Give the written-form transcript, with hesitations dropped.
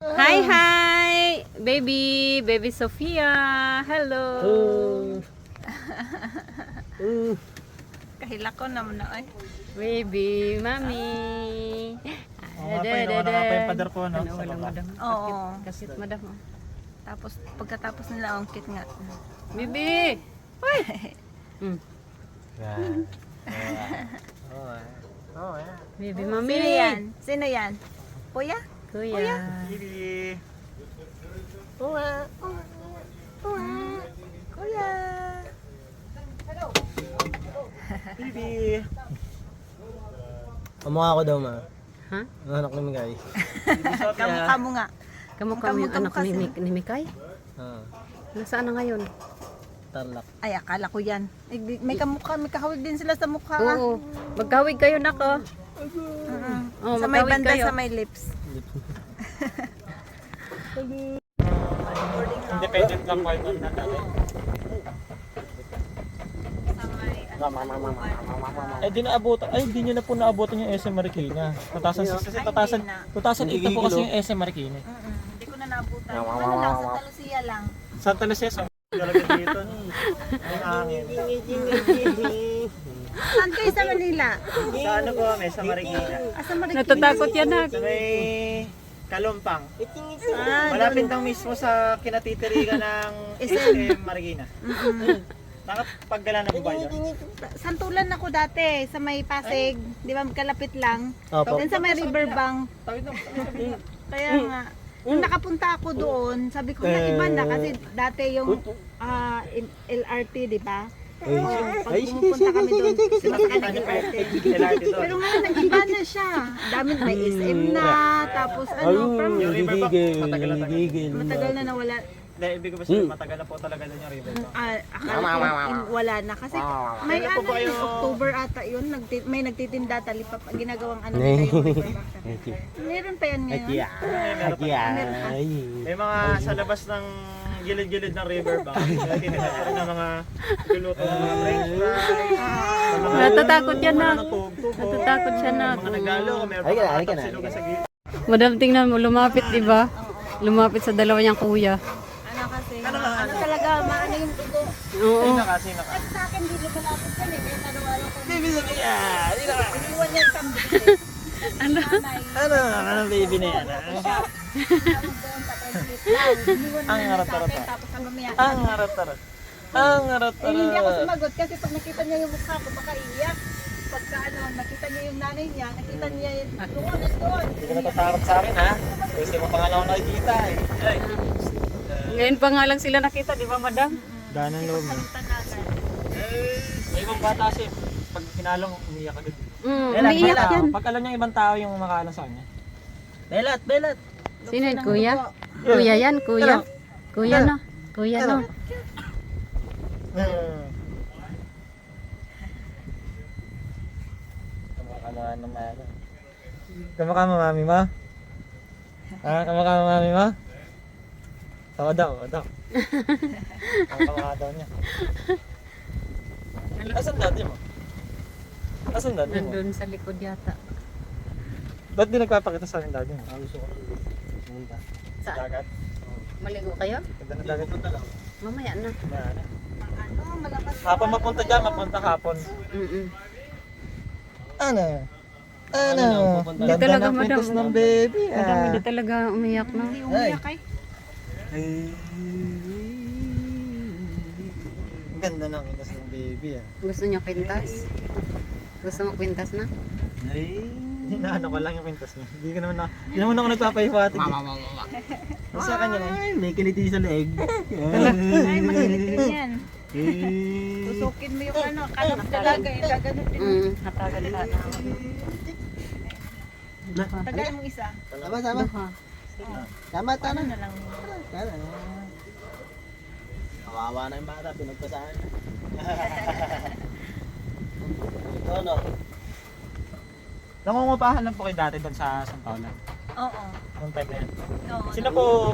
Hi, hi! Baby Sophia! Hello! Kahila ko naman na ay. Baby, mami! Inuuna nga pa yung pader po, no? Sa Walang baba. madam. Oo. Kasit madam. Oh. Tapos pagkatapos nila ang kit nga. Baby! Hoy! Yan. Baby, mami! Sino yan? Sino yan? Kuya? Kuya! Bibi. Kuya! Bibi. Kamukha ko daw, ma. Ha? Ang anak ni Migay. Kamukha mo nga. Kamukha mo yung anak ni Mikay? Nasaan na ngayon? Tarlac. Ay, akala ko yan. May kamukha, may kahawig din sila sa mukha. Ah. Oo. Magkawig kayo, nako. Oh, Sa may magkawig banda, kayo. sa may lips. Independent lang po yung na dati. Di naabutan. Ay, di nyo na po naabutan yung SM Marikina. 2018 po kasi yung SM Marikina. Hindi ko na naabutan. Ano lang, sa Talusia lang. Santa Lucia, talaga dito. Ang hangin. Saan kayo sa Manila? Sa ano po kami, sa Marikina. Sa Marikina. Natatakot yan, nak. Sa may Kalumpang. Ah, Malapit lang mismo sa kinatitirigan ng SM Marikina. Nakapagdala na po ba yun? Santulan ako dati sa may Pasig, di ba kalapit lang. Opo. Then sa may riverbank. Tawid na. Kaya nga, nung nakapunta ako doon, sabi ko na iba na kasi dati yung LRT, di ba? Pag pumupunta kami doon, sumasakay ng LRT. Pero ngayon, nag-iba na siya. Dami may SM na, tapos ano, from Yung riverbank, matagal na tagal. matagal na nawala. Hindi, ibig ko ba sabihin, matagal na po talaga doon yung riverbank. Akala ko wala na kasi may Kailan po ano ba yung yung- October ata yun, may nagtitinda talipap ginagawang ano nila yung riverbank. Meron pa yan ngayon. May mga sa labas ng gilid-gilid ng riverbank. Tinitira pa rin ng mga luluto ng mga french fries. Natatakot yan, nak. Natutugtog. Natatakot siya, nak. Mga nagalo, meron Halika na, pa halika na, silugan sa gilid. Madam, tingnan mo, lumapit, di ba? Lumapit sa dalawa niyang kuya. Ano kasi, ano talaga, maano yung tugo. Oo. Sino ka? Sa akin, hindi ko malapit yan eh, kaya araw-araw ko. Baby Sophia! Iniwan niya yung kambing. Ano? Ano baby na yan? Ang harap-harap. Tapos ang mamaya. Ang harap-harap. Ang Eh, hindi ako harap-harap. sumagot kasi pag nakita niya yung mukha ko, baka iiyak. Pagka ano, nakita niya yung nanay niya, nakita niya yung doon. Hindi ka natatakot sa akin ha? Kasi mo pa nga lang ako nakikita eh. Ay. Ngayon pa nga lang sila nakita, di ba, madam? Danan loob mo. May ibang bata kasi pag kinalong umiyak agad. Umiiyak yan. Pag alam niya ibang tao yung makaalam sa kanya. Belat! Sino yun, kuya? Kuya yan, kuya. Kuya, no? Kuya, no? Kamukha mo mami mo? Ha? Kamukha mo mami mo? Oo daw, oo daw. Kamukha daw niya. Asan dati mo? Asan dati mo? Nandun sa likod yata. Ba't di nagpapakita sa akin dati mo? Gusto ko pumunta. Sa Saan? dagat? Maligo kayo? Ganda ng dagat punta lang. Mamaya na. Ano? Ano, malakas. Hapon mapunta dyan, mapunta hapon. Mm-mm. Ano? Hindi talaga, madam. ng baby Madam, hindi talaga umiyak, no? Hindi umiyak ay. Ang ganda ng pintas ng baby ah. Gusto niyo kwintas? Gusto mo kwintas na? Ay, hinaano ko lang yung pintas niya. Hindi naman ako nagpapahiwatig. Sa kanya na. Ay, may kiliti sa leeg. Ay, mahilig din yan. Tusukin mo yung ano, kanak dalaga, yung gaganon din. Hatagan ka na. Tagal mo isa. Sama. Duha. Tama. Ano na lang. Kawawa na yung bata, pinagpasahan. No. Nangungupahan lang po kayo dati doon sa San Paula. Oo. Nung time na yan. Oo. Sino po